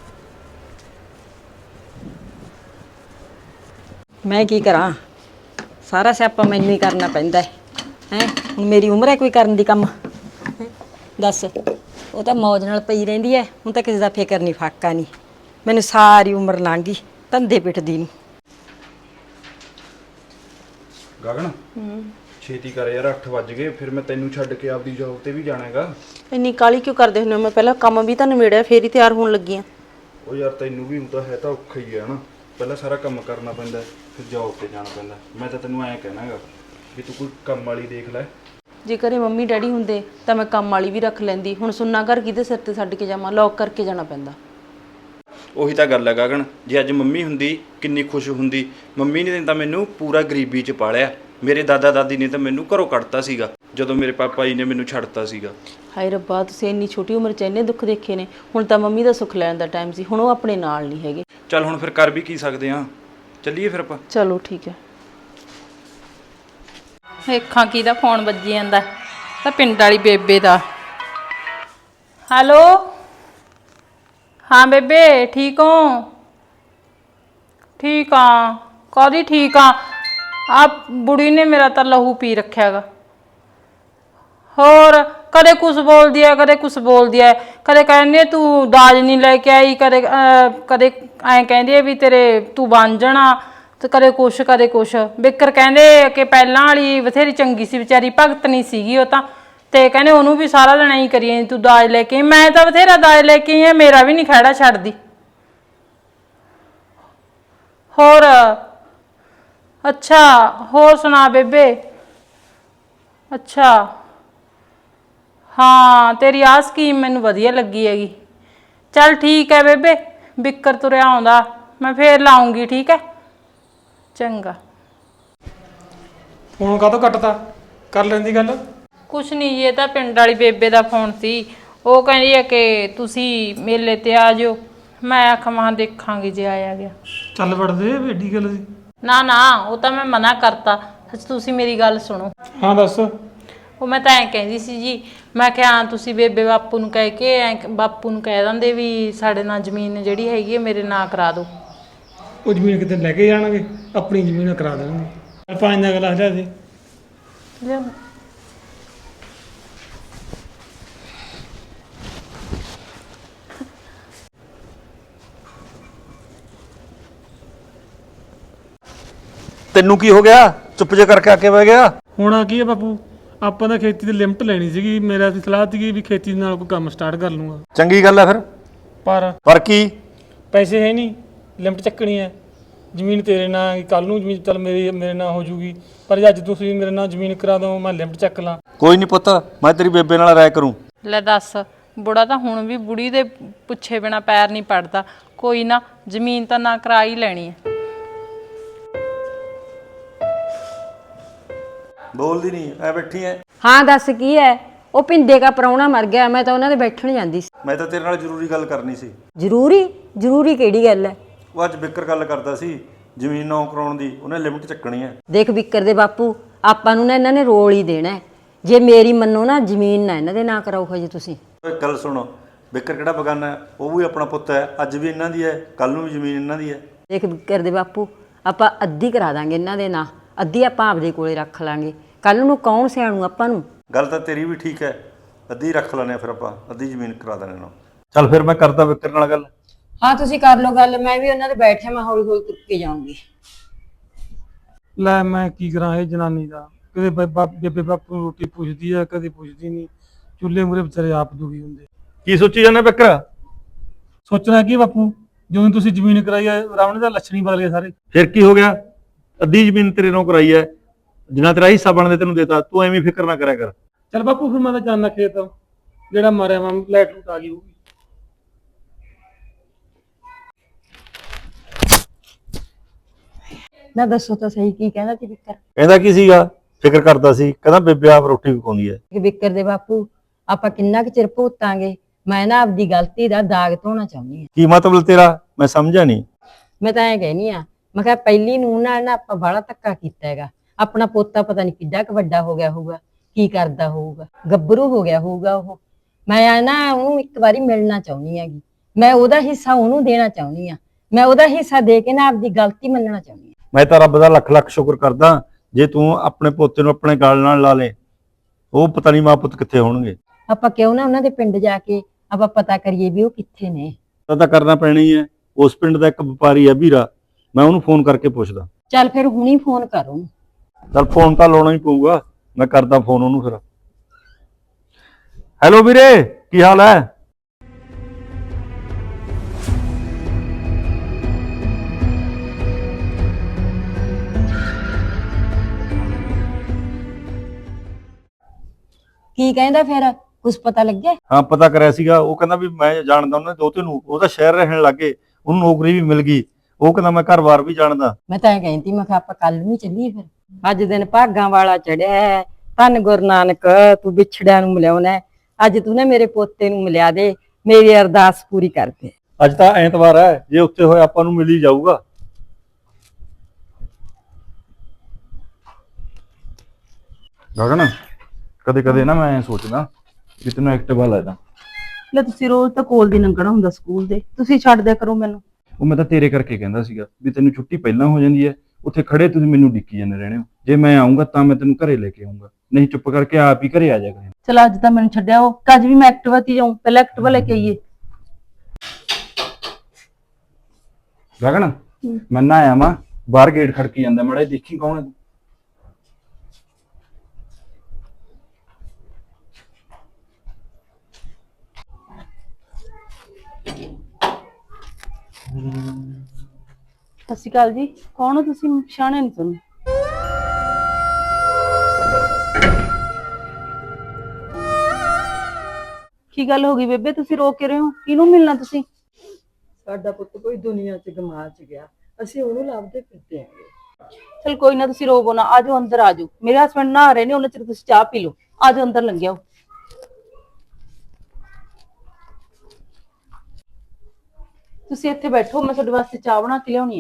Speaker 2: ਮੈਂ ਕੀ ਕਰਾਂ, ਸਾਰਾ ਸਿਆਪਾ ਮੈਨੂੰ ਹੀ ਕਰਨਾ ਪੈਂਦਾ ਹੈ ਹੈ ਹੁਣ ਮੇਰੀ ਉਮਰ ਹੈ ਕੋਈ ਕਰਨ ਦੀ ਕੰਮ? ਦੱਸ, ਉਹ ਤਾਂ ਮੌਜ ਨਾਲ ਪਈ ਰਹਿੰਦੀ ਹੈ, ਹੁਣ ਤਾਂ ਕਿਸੇ ਦਾ ਫਿਕਰ ਨਹੀਂ, ਫਾਕਾ ਨਹੀਂ। ਮੈਨੂੰ ਸਾਰੀ ਉਮਰ ਲੰਘ ਗਈ ਧੰਦੇ ਪਿੱਟਦੀ ਨੂੰ।
Speaker 6: ਗਗਨ ਛੇਤੀ ਕਰ ਯਾਰ, ਅੱਠ ਵੱਜ ਗਏ, ਫਿਰ ਮੈਂ ਤੈਨੂੰ ਛੱਡ ਕੇ ਆਪਦੀ ਜੌਬ ਤੇ ਵੀ ਜਾਣਾ ਹੈਗਾ।
Speaker 5: ਇੰਨੀ ਕਾਲੀ ਕਿਉਂ ਕਰਦੇ ਹੁੰਦੇ ਹੋ? ਮੈਂ ਪਹਿਲਾਂ ਕੰਮ ਵੀ ਤਾਂ ਨਿਬੇੜਿਆ, ਫੇਰ ਹੀ ਤਿਆਰ ਹੋਣ ਲੱਗੀ ਆ।
Speaker 6: ਉਹ ਯਾਰ ਤੈਨੂੰ ਵੀ ਹੁਣ ਤਾਂ ਹੈ ਤਾਂ ਔਖਾ ਹੀ ਹੈ ਨਾ, ਪਹਿਲਾਂ ਸਾਰਾ ਕੰਮ ਕਰਨਾ ਪੈਂਦਾ, ਫਿਰ ਜੌਬ ਤੇ ਜਾਣਾ ਪੈਂਦਾ। ਮੈਂ ਤਾਂ ਤੈਨੂੰ ਐਂ ਕਹਿਣਾ ਹੈਗਾ ਵੀ ਤੂੰ ਕੋਈ ਕੰਮ ਵਾਲੀ ਦੇਖ ਲੈ।
Speaker 5: ਜੇ ਘਰੇ ਮੰਮੀ ਡੈਡੀ ਹੁੰਦੇ ਤਾਂ ਮੈਂ ਕੰਮ ਵਾਲੀ ਵੀ ਰੱਖ ਲੈਂਦੀ, ਹੁਣ ਸੁੰਨਾ ਘਰ ਕਿਹਦੇ ਸਿਰ ਤੇ ਛੱਡ ਕੇ ਜਾਵਾਂ? ਲੌਕ ਕਰਕੇ ਜਾਣਾ ਪੈਂਦਾ।
Speaker 6: ਉਹੀ ਤਾਂ ਗੱਲ ਹੈ ਗਗਨ, ਜੇ ਅੱਜ ਮੰਮੀ ਹੁੰਦੀ ਕਿੰਨੀ ਖੁਸ਼ ਹੁੰਦੀ। ਮੰਮੀ ਨੇ ਤਾਂ ਮੈਨੂੰ ਪੂਰਾ ਗਰੀਬੀ 'ਚ ਪਾਲਿਆ, ਮੇਰੇ ਦਾਦਾ ਦਾਦੀ ਨੇ ਤਾਂ ਮੈਨੂੰ ਘਰੋਂ ਕੱਢਤਾ ਸੀਗਾ ਜਦੋਂ ਮੇਰੇ ਪਾਪਾ ਜੀ ਨੇ ਮੈਨੂੰ ਛੱਡਤਾ ਸੀਗਾ।
Speaker 5: ਹਾਏ ਰੱਬਾ, ਤੁਸੀਂ ਇੰਨੀ ਛੋਟੀ ਉਮਰ 'ਚ ਇੰਨੇ ਦੁੱਖ ਦੇਖੇ ਨੇ, ਹੁਣ ਤਾਂ ਮੰਮੀ ਦਾ ਸੁੱਖ ਲੈਣ ਦਾ ਟਾਈਮ ਸੀ, ਹੁਣ ਉਹ ਆਪਣੇ ਨਾਲ ਨਹੀਂ ਹੈਗੇ।
Speaker 6: ਚੱਲ ਹੁਣ ਫਿਰ ਕਰ ਵੀ ਕੀ ਸਕਦੇ ਹਾਂ, ਚੱਲੀਏ ਫਿਰ ਆਪਾਂ।
Speaker 5: ਚਲੋ ਠੀਕ ਹੈ।
Speaker 1: ਵੇਖਾਂ ਕਿਹਦਾ ਫੋਨ ਵੱਜੀ ਜਾਂਦਾ, ਤਾਂ ਪਿੰਡ ਵਾਲੀ ਬੇਬੇ ਦਾ। ਹੈਲੋ, ਹਾਂ ਬੇਬੇ ਠੀਕ ਹੋ? ਠੀਕ ਆ। ਕਾਹਦੀ ਠੀਕ ਆ? ਆ ਬੁੜੀ ਨੇ ਮੇਰਾ ਤਾਂ ਲਹੂ ਪੀ ਰੱਖਿਆਗਾ। ਹੋਰ ਕਦੇ ਕੁਛ ਬੋਲਦੀ ਹੈ, ਕਦੇ ਕੁਛ ਬੋਲਦੀ ਹੈ, ਕਦੇ ਕਹਿੰਦੀ ਤੂੰ ਦਾਜ ਨਹੀਂ ਲੈ ਕੇ ਆਈ, ਕਦੇ ਕਦੇ ਐਂ ਕਹਿੰਦੀ ਹੈ ਵੀ ਤੇਰੇ ਤੂੰ ਬਣ ਜਾਣਾ, ਤੇ ਕਦੇ ਕੁਛ ਕਦੇ ਕੁਛ। ਬਿੱਕਰ ਕਹਿੰਦੇ ਕਿ ਪਹਿਲਾਂ ਵਾਲੀ ਬਥੇਰੀ ਚੰਗੀ ਸੀ ਵਿਚਾਰੀ, ਭਗਤ ਨਹੀਂ ਸੀਗੀ ਉਹ ਤਾਂ, ਤੇ ਕਹਿੰਦੇ ਉਹਨੂੰ ਵੀ ਸਾਰਾ ਦਿਨ ਐਂ ਕਰੀਏ ਤੂੰ ਦਾਜ ਲੈ ਕੇ। ਮੈਂ ਤਾਂ ਬਥੇਰਾ ਦਾਜ ਲੈ ਕੇ ਆਈ, ਮੇਰਾ ਵੀ ਨਹੀਂ ਖਹਿੜਾ ਛੱਡਦੀ। ਹੋਰ ਅੱਛਾ, ਹੋਰ ਸੁਣਾ ਬੇਬੇ? ਅੱਛਾ ਹਾਂ, ਤੇਰੀ ਆਹ ਸਕੀਮ ਮੈਨੂੰ ਵਧੀਆ ਲੱਗੀ ਹੈਗੀ। ਚੱਲ ਠੀਕ ਹੈ ਬੇਬੇ, ਬਿੱਕਰ ਤੁਰਿਆ ਆਉਂਦਾ, ਮੈਂ ਫੇਰ ਲਾਉਂਗੀ, ਠੀਕ ਹੈ? ਚੰਗਾ।
Speaker 4: ਫੋਨ ਕਾਹਤੋਂ ਕੱਟਤਾ? ਕਰ ਲੈਂਦੀ ਗੱਲ।
Speaker 1: ਕੁਛ ਨਹੀਂ ਜੀ, ਇਹ ਤਾਂ ਪਿੰਡ ਵਾਲੀ ਬੇਬੇ ਦਾ ਫੋਨ ਸੀ। ਉਹ ਕਹਿੰਦੀ ਹੈ ਕਿ ਤੁਸੀਂ ਮੇਲੇ ਤੇ ਆ ਜਾਓ। ਮੈਂ ਆਖਾਂ ਮਾਂ ਦੇਖਾਂਗੀ ਜੇ ਆਇਆ ਗਿਆ।
Speaker 4: ਚੱਲ ਵੜਦੇ, ਏਡੀ ਗੱਲ ਸੀ।
Speaker 1: ਨਾ ਨਾ, ਉਹ ਤਾਂ ਮੈਂ ਮਨਾ ਕਰਤਾ। ਸੱਚ ਤੁਸੀਂ ਮੇਰੀ ਗੱਲ ਸੁਣੋ।
Speaker 4: ਹਾਂ ਦੱਸ।
Speaker 1: ਉਹ ਮੈਂ ਤਾਂ ਐਂ ਕਹਿੰਦੀ ਸੀ ਜੀ, ਮੈਂ ਕਿਹਾ ਤੁਸੀਂ ਬੇਬੇ ਬਾਪੂ ਨੂੰ ਕਹਿ ਕੇ ਐਂ ਬਾਪੂ ਨੂੰ ਕਹਿ ਦਿੰਦੇ ਵੀ ਸਾਡੇ ਨਾਲ ਜ਼ਮੀਨ ਜਿਹੜੀ ਹੈਗੀ ਹੈ ਮੇਰੇ ਨਾਂ ਕਰਾ ਦਿਓ।
Speaker 4: ਉਹ ਜ਼ਮੀਨ ਕਿਤੇ ਲੈ ਕੇ ਜਾਣਗੇ, ਆਪਣੀ ਜ਼ਮੀਨ ਕਰਾ ਦੇਣਗੇ। ਚੱਲ ਪੰਜ ਦਾ ਗਲਾਸ ਲਿਆ ਦੇ।
Speaker 1: ਲਿਆ।
Speaker 3: ਤੈਨੂੰ ਕੀ ਹੋ ਗਿਆ? ਚੁੱਪ ਜੇ ਕਰਕੇ ਆ ਕੇ ਬਹਿ ਗਿਆ।
Speaker 4: ਹੁਣ ਕੀ ਹੈ ਬਾਪੂ, ਆਪਾਂ ਤਾਂ ਖੇਤੀ ਦੀ ਲਿਮਟ ਲੈਣੀ ਸੀਗੀ। ਮੇਰਾ ਦੀ ਸਲਾਹ ਸੀਗੀ ਵੀ ਖੇਤੀ ਦੇ ਨਾਲ ਕੋਈ ਕੰਮ ਸਟਾਰਟ ਕਰ ਲੂੰਗਾ,
Speaker 3: ਚੰਗੀ ਗੱਲ ਹੈ ਫਿਰ।
Speaker 4: ਪਰ
Speaker 3: ਪਰ ਕੀ?
Speaker 4: ਪੈਸੇ ਹੈ ਨਹੀਂ, ਲਿਮਟ ਚੱਕਣੀ ਹੈ। ਜ਼ਮੀਨ ਤੇਰੇ ਨਾਂ, ਕੱਲ ਨੂੰ ਜ਼ਮੀਨ ਚੱਲ ਮੇਰੀ ਮੇਰੇ ਨਾਂ ਹੋ ਜੂਗੀ, ਪਰ ਜੇ ਅੱਜ ਤੁਸੀਂ ਮੇਰੇ ਨਾਲ ਜ਼ਮੀਨ ਕਰਾ ਦਿਓ ਮੈਂ ਲਿਮਟ ਚੱਕ ਲਾਂ।
Speaker 3: ਕੋਈ ਨਹੀਂ ਪੁੱਤ, ਮੈਂ ਤੇਰੀ ਬੇਬੇ ਨਾਲ ਰਾਏ ਕਰੂੰ।
Speaker 5: ਲੈ ਦੱਸ, ਬੁੜਾ ਤਾਂ ਹੁਣ ਵੀ ਬੁੜੀ ਦੇ ਪੁੱਛੇ ਬਿਨਾ ਪੈਰ ਨਹੀਂ ਪੜਦਾ। ਕੋਈ ਨਾ, ਜ਼ਮੀਨ ਤਾਂ ਨਾ ਕਰਾ ਹੀ ਲੈਣੀ ਹੈ।
Speaker 3: ਬੋਲਦੀ ਨਹੀਂ, ਐ ਬੈਠੀ ਐ।
Speaker 2: ਹਾਂ ਦੱਸ ਕੀ ਹੈ? ਉਹ ਪਿੰਦੇ ਦਾ ਪ੍ਰਾਹੁਣਾ ਮਰ ਗਿਆ, ਮੈਂ ਤਾਂ ਉਹਨਾਂ ਦੇ ਬੈਠਣ ਜਾਂਦੀ ਸੀ।
Speaker 3: ਮੈਂ ਤਾਂ ਤੇਰੇ ਨਾਲ ਜ਼ਰੂਰੀ ਗੱਲ ਕਰਨੀ ਸੀ।
Speaker 2: ਜ਼ਰੂਰੀ? ਜ਼ਰੂਰੀ ਕਿਹੜੀ ਗੱਲ ਹੈ?
Speaker 3: ਉਹ ਅੱਜ ਬਿੱਕਰ ਗੱਲ ਕਰਦਾ ਸੀ ਜ਼ਮੀਨ ਨੌ ਕਰਾਉਣ ਦੀ, ਉਹਨੇ ਲਿਮਟ ਚੱਕਣੀ ਹੈ।
Speaker 2: ਦੇਖ ਬਿੱਕਰ ਦੇ ਬਾਪੂ, ਆਪਾਂ ਨੂੰ ਨਾ ਇਹਨਾਂ ਨੇ ਰੋਲ ਹੀ ਦੇਣਾ ਹੈ। ਜੇ ਮੇਰੀ ਮੰਨੋ ਨਾ, ਜ਼ਮੀਨ ਨਾ ਇਹਨਾਂ ਦੇ ਨਾਂ ਕਰਾਓ ਹਜੇ ਤੁਸੀਂ।
Speaker 3: ਓਏ ਗੱਲ ਸੁਣੋ, ਬਿੱਕਰ ਕਿਹੜਾ ਬਗਾਨਾ ਹੈ? ਉਹ ਵੀ ਆਪਣਾ ਪੁੱਤ ਹੈ, ਅੱਜ ਵੀ ਇਹਨਾਂ ਦੀ ਹੈ, ਕੱਲ ਨੂੰ ਵੀ ਜ਼ਮੀਨ ਇਹਨਾਂ ਦੀ ਹੈ।
Speaker 2: ਦੇਖ ਬਿੱਕਰ ਦੇ ਬਾਪੂ, ਆਪਾਂ ਅੱਧੀ ਕਰਾ ਦਾਂਗੇ ਇਹਨਾਂ ਦੇ ਨਾਂ, ਅੱਧੀ ਆਪਾਂ ਆਪਦੇ ਕੋਲੇ ਰੱਖ ਲਾਂਗੇ। ਕੱਲ ਨੂੰ ਕੌਣ ਸਿਆਣੂ ਆਪਾਂ ਨੂੰ?
Speaker 3: ਗੱਲ ਤਾਂ ਤੇਰੀ ਵੀ ਠੀਕ ਹੈ, ਅੱਧੀ ਰੱਖ ਲੈਣੇ ਆ ਫਿਰ ਆਪਾਂ, ਅੱਧੀ ਜ਼ਮੀਨ ਕਰਾ ਦੇਣੇ ਨਾਲ। ਚੱਲ ਫਿਰ ਮੈਂ ਕਰਦਾ ਬਿੱਕਰ ਨਾਲ ਗੱਲ।
Speaker 2: ਹਾਂ ਤੁਸੀਂ ਕਰ ਲਓ ਗੱਲ, ਮੈਂ ਵੀ ਉਹਨਾਂ ਦੇ ਬੈਠੇ, ਮੈਂ ਹੌਲੀ ਹੌਲੀ ਤੁਰ ਕੇ ਜਾਊਂਗੀ।
Speaker 4: ਲੈ ਮੈਂ ਕੀ ਕਰਾਂ ਇਹ ਜਨਾਨੀ ਦਾ, ਕਦੇ ਬੇਬੇ ਬਾਪੂ ਨੂੰ ਰੋਟੀ ਪੁੱਛਦੀ ਆ, ਕਦੇ ਪੁੱਛਦੀ ਨਹੀਂ। ਚੁੱਲ੍ਹੇ ਮੂਹਰੇ ਵਿਚਾਰੇ ਆਪ ਦੁਖੀ ਹੁੰਦੇ।
Speaker 3: ਕੀ ਸੋਚੀ ਜਾਂਦਾ ਬਿੱਕਰ?
Speaker 4: ਸੋਚਣਾ ਕੀ ਬਾਪੂ, ਜਿਵੇਂ ਤੁਸੀਂ ਜ਼ਮੀਨ ਕਰਾਈ ਹੈ ਰਾਵਣ ਦਾ ਲੱਛਣ ਹੀ ਬਦਲ ਗਏ ਸਾਰੇ।
Speaker 3: ਫਿਰ ਕੀ ਹੋ ਗਿਆ? ਅੱਧੀ ਜ਼ਮੀਨ ਤੇਰੇ ਨਾਲ ਕਰਾਈ ਹੈ, ਜਿੰਨਾ ਤੇਰਾ ਹਿੱਸਾ ਬਣਦੇ ਤੈਨੂੰ ਦੇਤਾ। ਤੂੰ ਐਵੇਂ ਫਿਕਰ ਨਾ ਕਰਿਆ ਕਰ।
Speaker 4: ਚੱਲ ਬਾਪੂ ਫਿਰ ਮੈਂ ਤਾਂ ਜਾਣਾ ਖੇਤ, ਜਿਹੜਾ ਮਾਰਿਆ ਮੈਂ ਲਾਈਟ ਲੂਟ ਆ ਗਈ ਹੋਊਗੀ।
Speaker 2: ਨਾ ਦੱਸੋ ਤਾਂ ਸਹੀ, ਕੀ ਕਹਿੰਦਾ ਸੀ ਬਿੱਕਰ?
Speaker 3: ਕਹਿੰਦਾ ਕੀ ਸੀਗਾ? ਫਿਕਰ ਕਰਦਾ ਸੀ, ਕਹਿੰਦਾ ਬੇਬੇ ਆਪ ਰੋਟੀ ਪਕਾਉਂਦੀ ਹੈ।
Speaker 2: ਕਿ ਬਿੱਕਰ ਦੇ ਬਾਪੂ, ਆਪਾਂ ਕਿੰਨਾ ਕੁ ਚਿਰ ਭੁਗਤਾਂਗੇ? ਮੈਂ ਨਾ ਆਪਦੀ ਗਲਤੀ ਦਾ ਦਾਗ ਧੋਣਾ ਚਾਹੁੰਦੀ ਹਾਂ।
Speaker 3: ਕੀ ਮਤਲਬ ਤੇਰਾ? ਮੈਂ ਸਮਝਿਆ ਨਹੀਂ।
Speaker 2: ਮੈਂ ਤਾਂ ਐਂ ਕਹਿਨੀ ਆ, ਮੈਂ ਕਿਹਾ ਪਹਿਲੀ ਨੂੰ ਨਾਲ ਨਾ ਆਪਾਂ ਬੜਾ ਧੱਕਾ ਕੀਤਾ ਹੈਗਾ। ਆਪਣਾ ਪੋਤਾ ਪਤਾ ਨਹੀਂ ਕਿੱਡਾ ਕੁ ਵੱਡਾ ਹੋ ਗਿਆ ਹੋਊਗਾ, ਕੀ ਕਰਦਾ ਹੋਊਗਾ, ਗੱਭਰੂ ਹੋ ਗਿਆ ਹੋਊਗਾ ਉਹ। ਮੈਂ ਨਾ ਉਹਨੂੰ ਇੱਕ ਵਾਰੀ ਮਿਲਣਾ ਚਾਹੁੰਦੀ ਹੈਗੀ, ਮੈਂ ਉਹਦਾ ਹਿੱਸਾ ਉਹਨੂੰ ਦੇਣਾ ਚਾਹੁੰਦੀ ਆ, ਮੈਂ ਉਹਦਾ ਹਿੱਸਾ ਦੇ ਕੇ ਨਾ ਆਪਦੀ ਗਲਤੀ ਮੰਨਣਾ ਚਾਹੁੰਦੀ ਆ।
Speaker 3: ਮੈਂ ਤਾਂ ਰੱਬ ਦਾ ਲੱਖ ਲੱਖ ਸ਼ੁਕਰ ਕਰਦਾ ਜੇ ਤੂੰ ਆਪਣੇ ਪੋਤੇ ਨੂੰ ਆਪਣੇ ਗਲ ਨਾਲ ਲਾ ਲੇ। ਉਹ ਪਤਾ ਨਹੀਂ ਮਾਂ ਪੁੱਤ ਕਿੱਥੇ ਹੋਣਗੇ।
Speaker 2: ਆਪਾਂ ਕਿਉਂ ਨਾ ਉਹਨਾਂ ਦੇ ਪਿੰਡ ਜਾ ਕੇ ਆਪਾਂ ਪਤਾ ਕਰੀਏ ਵੀ ਉਹ ਕਿੱਥੇ ਨੇ।
Speaker 3: ਤਾਂ ਤਾਂ ਕਰਨਾ ਪੈਣਾ ਹੀ ਹੈ। ਉਸ ਪਿੰਡ ਦਾ ਇੱਕ ਵਪਾਰੀ ਹੈ ਵੀਰਾ, ਮੈਂ ਉਹਨੂੰ ਫੋਨ ਕਰਕੇ ਪੁੱਛਦਾ।
Speaker 2: ਚੱਲ ਫਿਰ ਹੁਣੀ ਫੋਨ ਕਰ ਉਹਨੂੰ।
Speaker 3: ਚੱਲ ਫੋਨ ਤਾਂ ਲਾਉਣਾ ਹੀ ਪਊਗਾ, ਮੈਂ ਕਰਦਾ ਫੋਨ ਉਹਨੂੰ ਫਿਰ। ਹੈਲੋ ਵੀਰੇ, ਕੀ ਹਾਲ ਹੈ?
Speaker 2: ਕੀ ਕਹਿੰਦਾ ਫਿਰ? ਕੁਛ ਪਤਾ ਲੱਗਿਆ?
Speaker 3: ਹਾਂ ਪਤਾ ਕਰਿਆ ਸੀਗਾ, ਉਹ ਕਹਿੰਦਾ ਵੀ ਮੈਂ ਜਾਣਦਾ ਉਹਨਾਂ ਦੇ ਦੋਤੇ ਨੂੰ, ਉਹ ਤਾਂ ਸ਼ਹਿਰ ਰਹਿਣ ਲੱਗੇ, ਉਹਨੂੰ ਨੌਕਰੀ ਵੀ ਮਿਲ ਗਈ। ਉਹ ਕਹਿੰਦਾ ਮੈਂ ਘਰ-ਬਾਰ ਵੀ ਜਾਣਦਾ।
Speaker 2: ਮੈਂ ਤਾਂ ਇਹ ਕਹਿੰਦੀ, ਮੈਂ ਕਿਹਾ ਆਪਾਂ ਕੱਲ ਨੂੰ ਚੱਲੀਏ ਫਿਰ। ਅੱਜ ਦਿਨ ਭਾਗਾਂ ਵਾਲਾ ਚੜਿਆ, ਧੰਨ ਗੁਰੂ ਨਾਨਕ, ਤੂੰ ਵਿਛੜਿਆਂ ਨੂੰ ਮਿਲਾਉਣਾ। ਅੱਜ ਤੂੰ ਨਾ ਮੇਰੇ ਪੋਤੇ ਨੂੰ ਮਿਲਿਆ ਦੇ, ਮੇਰੀ ਅਰਦਾਸ ਪੂਰੀ ਕਰ ਦੇ।
Speaker 3: ਅੱਜ ਤਾਂ ਐਤਵਾਰ ਹੈ, ਜੇ ਉੱਥੇ ਹੋਇਆ ਆਪਾਂ ਨੂੰ ਮਿਲ ਹੀ ਜਾਊਗਾ।
Speaker 6: ਗਗਨ, ਕਦੇ ਕਦੇ ਨਾ ਮੈਂ ਸੋਚਦਾ ਕਿ ਤੈਨੂੰ ਐਕਟਿਵਾ ਲੈ ਦਾਂ।
Speaker 7: ਲੈ ਤੁਸੀਂ ਰੋਜ਼ ਤਾਂ ਕੋਲ ਦੀ ਲੰਘਣਾ ਹੁੰਦਾ ਸਕੂਲ ਦੇ, ਤੁਸੀਂ ਛੱਡ ਦਿਆ ਕਰੋ ਮੈਨੂੰ।
Speaker 6: ਉਹ ਮੈਂ ਤਾਂ ਤੇਰੇ ਕਰਕੇ ਕਹਿੰਦਾ ਸੀਗਾ ਵੀ ਤੈਨੂੰ ਛੁੱਟੀ ਪਹਿਲਾਂ ਹੋ ਜਾਂਦੀ ਹੈ, ਉੱਥੇ ਖੜੇ ਤੁਸੀਂ ਮੈਨੂੰ ਡਿੱਕੀ ਜਾਂਦੇ ਰਹਿਣੇ ਹੋ। ਜੇ ਮੈਂ ਆਉਂਗਾ ਤਾਂ ਮੈਂ ਤੈਨੂੰ ਘਰੇ ਲੈ ਕੇ ਆਉਂਗਾ, ਨਹੀਂ ਚੁੱਪ ਕਰਕੇ ਆਪ ਹੀ ਘਰੇ ਆ ਜਾ ਕਰੇ।
Speaker 7: ਚਲ ਅੱਜ ਤਾਂ ਮੈਨੂੰ ਛੱਡਿਆ ਉਹ, ਅੱਜ ਵੀ ਮੈਂ ਐਕਟਿਵਾ ਤੇ ਜਾਊਂ, ਪਹਿਲਾਂ ਐਕਟਿਵਾ ਲੈ ਕੇ ਆਈਏ।
Speaker 6: ਗਗਨ, ਮੈਂ ਨਾ ਆਇਆ ਵਾਂ, ਬਾਹਰ ਗੇਟ ਖੜਕੀ ਜਾਂਦਾ, ਮਾੜਾ ਜਿਹਾ ਦੇਖੀ ਕੌਣ ਹੈ।
Speaker 7: ਸਤਿ ਸ਼੍ਰੀ ਅਕਾਲ ਜੀ, ਕੌਣ ਹੋ ਤੁਸੀਂ? ਪਛਾਣਿਆ ਨਹੀਂ ਤੁਹਾਨੂੰ। ਕੀ ਗੱਲ ਹੋ ਗਈ ਬੇਬੇ, ਤੁਸੀਂ ਰੋ ਕੇ ਰਹੇ ਹੋ? ਕਿਹਨੂੰ ਮਿਲਣਾ ਤੁਸੀਂ?
Speaker 2: ਸਾਡਾ ਪੁੱਤ ਕੋਈ ਦੁਨੀਆ 'ਚ ਗਮਾ 'ਚ ਗਿਆ, ਅਸੀਂ ਉਹਨੂੰ ਲੱਭਦੇ ਫਿਰਦੇ ਆਂਗੇ।
Speaker 7: ਚਲ ਕੋਈ ਨਾ, ਤੁਸੀਂ ਰੋਵੋ ਨਾ, ਆਜੋ ਅੰਦਰ ਆਜੋ। ਮੇਰੇ ਹਸਬੰਡ ਨਹਾ ਰਹੇ ਨੇ, ਉਹਨਾਂ ਚਿਰ ਤੁਸੀਂ ਚਾਹ ਪੀ ਲਓ। ਆਜੋ ਅੰਦਰ ਲੰਘਿਓ। ਤੁਸੀਂ ਇੱਥੇ ਬੈਠੋ, ਮੈਂ ਤੁਹਾਡੇ ਵਾਸਤੇ ਚਾਹ ਬਣਾ ਕੇ ਲਿਆਉਣੀ ਆ।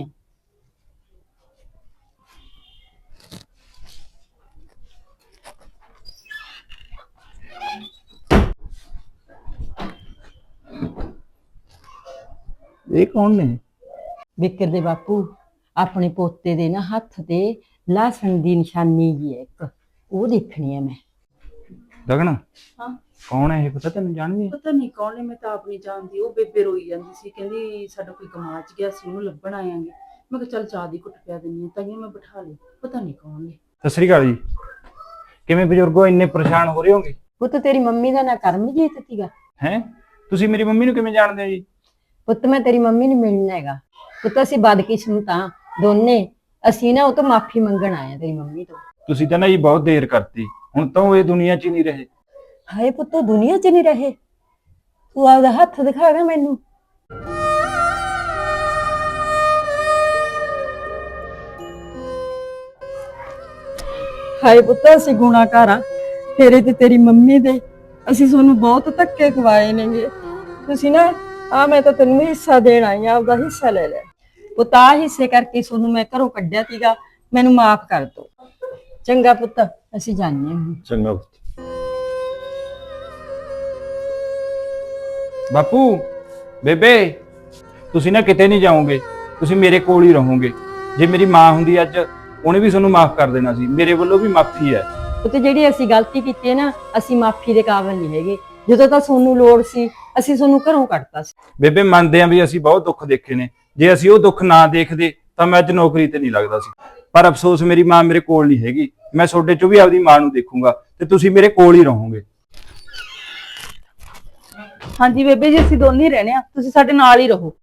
Speaker 6: ਇਹ ਕੌਣ ਨੇ?
Speaker 2: ਬਿੱਕਰ ਦੇ ਬਾਪੂ, ਆਪਣੇ ਪੋਤੇ ਦੇ ਨਾ ਹੱਥ ਤੇ ਲਸਣ ਦੀ ਨਿਸ਼ਾਨੀ ਜੀ ਹੈ ਇੱਕ, ਉਹ ਦੇਖਣੀ ਹੈ ਮੈਂ।
Speaker 6: ਗਗਨ,
Speaker 7: ਹਾਂ
Speaker 6: ਕੌਣ ਹੈ ਇਹ? ਪਤਾ ਤੈਨੂੰ? ਜਾਣਦੀ ਹੈ?
Speaker 7: ਪਤਾ ਨਹੀਂ ਕੌਣ ਨੇ, ਮੈਂ ਤਾਂ ਆਪ ਨਹੀਂ ਜਾਣਦੀ। ਉਹ ਬੇਬੇ ਰੋਈ ਜਾਂਦੀ ਸੀ, ਕਹਿੰਦੀ ਸਾਡਾ ਕੋਈ ਕਮਾਚ ਗਿਆ ਸੀ, ਉਹਨੂੰ ਲੱਭਣ ਆਇਆਂਗੇ। ਮੈਂ ਕਿਹਾ ਚੱਲ ਚਾਹ ਦੀ ਘੁੱਟ ਪਿਆ ਦਿੰਨੀ ਆ, ਤਾਈਓ ਮੈਂ ਬਿਠਾ ਲਈ, ਪਤਾ ਨਹੀਂ ਕੌਣ ਨੇ।
Speaker 8: ਸਤਿ ਸ੍ਰੀ ਅਕਾਲ ਜੀ। ਕਿਵੇਂ ਬਜ਼ੁਰਗੋ ਇੰਨੇ ਪਰੇਸ਼ਾਨ ਹੋ ਰਹੇ ਹੋਗੇ?
Speaker 2: ਪੁੱਤ ਤੇਰੀ ਮੰਮੀ ਦਾ ਨਾਂ ਕਰਮਜੀਤ ਸੀਗਾ।
Speaker 8: ਹੈ ਤੁਸੀਂ ਮੇਰੀ ਮੰਮੀ ਨੂੰ ਕਿਵੇਂ ਜਾਣਦੇ ਹੋ ਜੀ?
Speaker 2: ਪੁੱਤ ਮੈਂ ਤੇਰੀ ਮੰਮੀ ਨੂੰ ਮਿਲਣਾ ਹੈਗਾ। ਪੁੱਤ ਅਸੀਂ ਬਦਕਿਸਮਤ ਆ ਦੋਨੇ, ਅਸੀਂ ਨਾ ਉਹ ਤੋਂ ਮਾਫੀ ਮੰਗਣ ਆਏ ਆ ਤੇਰੀ ਮੰਮੀ ਤੋਂ।
Speaker 8: ਤੁਸੀਂ ਤਾਂ ਨਾ ਜੀ ਬਹੁਤ ਦੇਰ ਕਰਤੀ, ਹੁਣ ਤਾਂ ਉਹ ਇਹ ਦੁਨੀਆ 'ਚ ਹੀ ਨਹੀਂ ਰਹੇ।
Speaker 2: ਹਾਏ ਪੁੱਤ ਉਹ ਦੁਨੀਆ 'ਚ ਨਹੀਂ ਰਹੇ, ਤੂੰ ਆਪਦਾ ਹੱਥ ਦਿਖਾਗਾ ਮੈਨੂੰ। ਹਾਏ ਪੁੱਤ ਅਸੀਂ ਗੁਨਾਹਗਾਰ ਆ ਤੇਰੇ ਤੇ ਤੇਰੀ ਮੰਮੀ ਦੇ, ਅਸੀਂ ਤੁਹਾਨੂੰ ਬਹੁਤ ਧੱਕੇ ਖਵਾਏ ਨੇਗੇ। ਤੁਸੀਂ ਨਾ ਆ ਮੈਂ ਤਾਂ ਤੈਨੂੰ ਹਿੱਸਾ ਦੇਣ ਆਈ ਆ, ਆਪਦਾ ਹਿੱਸਾ ਲੈ ਲੈ ਪੁੱਤ। ਆ ਹਿੱਸੇ ਕਰਕੇ ਤੁਹਾਨੂੰ ਮੈਂ ਘਰੋਂ ਕੱਢਿਆ ਸੀਗਾ, ਮੈਨੂੰ ਮਾਫ ਕਰ ਦਿਓ। ਚੰਗਾ ਪੁੱਤ ਅਸੀਂ ਜਾਂਦੇ ਹਾਂ।
Speaker 3: ਚੰਗਾ।
Speaker 8: ਬਾਪੂ ਬੇਬੇ ਤੁਸੀਂ ਨਾ ਕਿਤੇ ਨਹੀਂ ਜਾਓਗੇ, ਤੁਸੀਂ ਮੇਰੇ ਕੋਲ ਹੀ ਰਹੋਗੇ। ਜੇ ਮੇਰੀ ਮਾਂ ਹੁੰਦੀ ਅੱਜ, ਉਹਨੇ ਵੀ ਤੁਹਾਨੂੰ ਮਾਫ ਕਰ ਦੇਣਾ ਸੀ। ਮੇਰੇ ਵੱਲੋਂ ਵੀ ਮਾਫੀ ਹੈ।
Speaker 2: ਤੇ ਜਿਹੜੀ ਅਸੀਂ ਗਲਤੀ ਕੀਤੀ ਹੈ ਨਾ, ਅਸੀਂ ਮਾਫੀ ਦੇ ਕਾਬਿਲ ਨਹੀਂ ਹੈਗੇ। ਜਦੋਂ ਤਾਂ ਤੁਹਾਨੂੰ ਲੋੜ ਸੀ ਅਸੀਂ ਤੁਹਾਨੂੰ ਘਰੋਂ ਕੱਢਤਾ ਸੀ।
Speaker 8: ਬੇਬੇ ਮੰਨਦੇ ਆਂ ਵੀ ਅਸੀਂ ਬਹੁਤ ਦੁੱਖ ਦੇਖੇ ਨੇ, ਜੇ ਅਸੀਂ ਉਹ ਦੁੱਖ ਨਾ ਦੇਖਦੇ ਤਾਂ ਮੈਂ ਅੱਜ ਨੌਕਰੀ ਤੇ ਨਹੀਂ ਲੱਗਦਾ ਸੀ। ਪਰ ਅਫਸੋਸ ਮੇਰੀ ਮਾਂ ਮੇਰੇ ਕੋਲ ਨਹੀਂ ਹੈਗੀ। ਮੈਂ ਤੁਹਾਡੇ ਚੋਂ ਵੀ ਆਪਦੀ ਮਾਂ ਨੂੰ ਦੇਖੂੰਗਾ ਤੇ ਤੁਸੀਂ ਮੇਰੇ ਕੋਲ ਹੀ ਰਹੋਗੇ।
Speaker 7: ਹਾਂਜੀ ਬੇਬੇ ਜੀ, ਅਸੀਂ ਦੋਨੇ ਹੀ ਰਹਿਣੇ ਆ, ਤੁਸੀਂ ਸਾਡੇ ਨਾਲ ਹੀ ਰਹੋ।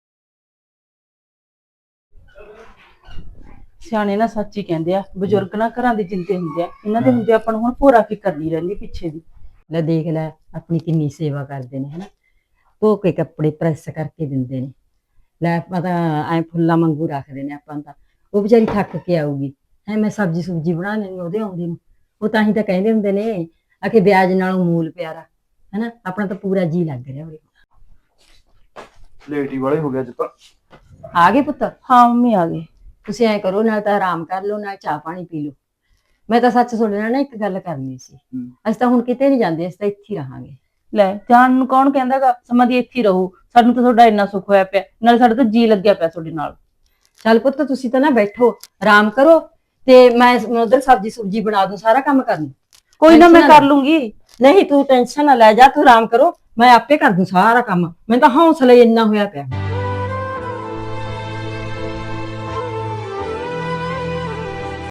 Speaker 7: ਸਿਆਣੇ ਨਾ ਸੱਚ ਹੀ ਕਹਿੰਦੇ ਆ, ਬਜ਼ੁਰਗ ਨਾ ਘਰਾਂ ਦੇ ਜਿੰਦੇ ਹੁੰਦੇ ਆ, ਇਹਨਾਂ ਦੇ ਹੁੰਦੇ ਆਪਾਂ ਨੂੰ ਹੁਣ ਭੋਰਾ ਫਿਕਰ ਨਹੀਂ ਰਹਿੰਦੀ ਪਿੱਛੇ ਦੀ।
Speaker 2: ਲੈ ਦੇਖ ਲੈ ਆਪਣੀ ਕਿੰਨੀ ਸੇਵਾ ਕਰਦੇ ਨੇ ਹਨਾ, ਧੋ ਕੇ ਕੱਪੜੇ ਪ੍ਰੈਸ ਕਰਕੇ ਦਿੰਦੇ ਨੇ। ਲੈ ਆਪਾਂ ਤਾਂ ਐ ਫੁੱਲਾਂ ਵਾਂਗੂ ਰੱਖਦੇ ਨੇ ਆਪਾਂ ਤਾਂ। ਉਹ ਵਿਚਾਰੀ ਥੱਕ ਕੇ ਆਊਗੀ ਹੈ, ਮੈਂ ਸਬਜ਼ੀ ਸੁਬਜੀ ਬਣਾ ਲੈਣੀ ਉਹਦੇ ਆਉਂਦੇ ਨੂੰ। ਉਹ ਤਾਂ ਹੀ ਤਾਂ ਕਹਿੰਦੇ ਹੁੰਦੇ ਨੇ ਆ ਕਿ ਵਿਆਜ ਨਾਲੋਂ ਮੂਲ ਪਿਆਰਾ ਹਨਾ। ਆਪਣਾ ਤਾਂ ਪੂਰਾ ਜੀ ਲੱਗ ਰਿਹਾ ਉਰੇ।
Speaker 8: ਲੇਟ ਹੀ ਵਾਲੇ ਹੋ ਗਿਆ ਅੱਜ ਤਾਂ।
Speaker 2: ਆ ਗਏ ਪੁੱਤ?
Speaker 7: ਹਾਂ ਮੰਮੀ ਆ ਗਏ।
Speaker 2: ਤੁਸੀਂ ਐ ਕਰੋ, ਨਾਲ ਤਾਂ ਆਰਾਮ ਕਰ ਲਓ, ਨਾਲ ਚਾਹ ਪਾਣੀ ਪੀ ਲਓ। ਮੈਂ ਤਾਂ ਸੱਚ ਤੁਹਾਡੇ ਨਾਲ ਨਾ ਇੱਕ ਗੱਲ ਕਰਨੀ ਸੀ। ਅਸੀਂ ਤਾਂ ਹੁਣ ਕਿਤੇ ਨਹੀਂ ਜਾਂਦੇ, ਅਸੀਂ ਤਾਂ ਇੱਥੇ ਹੀ ਰਹਾਂਗੇ।
Speaker 7: ਲੈ ਜਾਣ ਨੂੰ ਕੌਣ ਕਹਿੰਦਾਗਾ, ਸਮਾਂ ਦੀ ਇੱਥੇ ਹੀ ਰਹੋ। ਸਾਨੂੰ ਤਾਂ ਤੁਹਾਡਾ ਇੰਨਾ ਸੁੱਖ ਹੋਇਆ ਪਿਆ, ਨਾਲੇ ਸਾਡਾ ਤਾਂ ਜੀ ਲੱਗਿਆ ਪਿਆ ਤੁਹਾਡੇ ਨਾਲ।
Speaker 2: ਚੱਲ ਪੁੱਤ ਤੁਸੀਂ ਤਾਂ ਨਾ ਬੈਠੋ, ਆਰਾਮ ਕਰੋ, ਤੇ ਮੈਂ ਉਧਰ ਸਬਜ਼ੀ ਸੁਬਜੀ ਬਣਾ ਦੂੰ, ਸਾਰਾ ਕੰਮ ਕਰ ਲੂੰ।
Speaker 7: ਕੋਈ ਨਾ ਮੈਂ ਕਰ ਲੂੰਗੀ।
Speaker 2: ਨਹੀਂ ਤੂੰ ਟੈਨਸ਼ਨ ਨਾ ਲੈ ਜਾ, ਤੂੰ ਆਰਾਮ ਕਰੋ, ਮੈਂ ਆਪੇ ਕਰ ਦੂੰ ਸਾਰਾ ਕੰਮ। ਮੈਨੂੰ ਤਾਂ ਹੌਸਲਾ ਹੀ ਇੰਨਾ ਹੋਇਆ ਪਿਆ।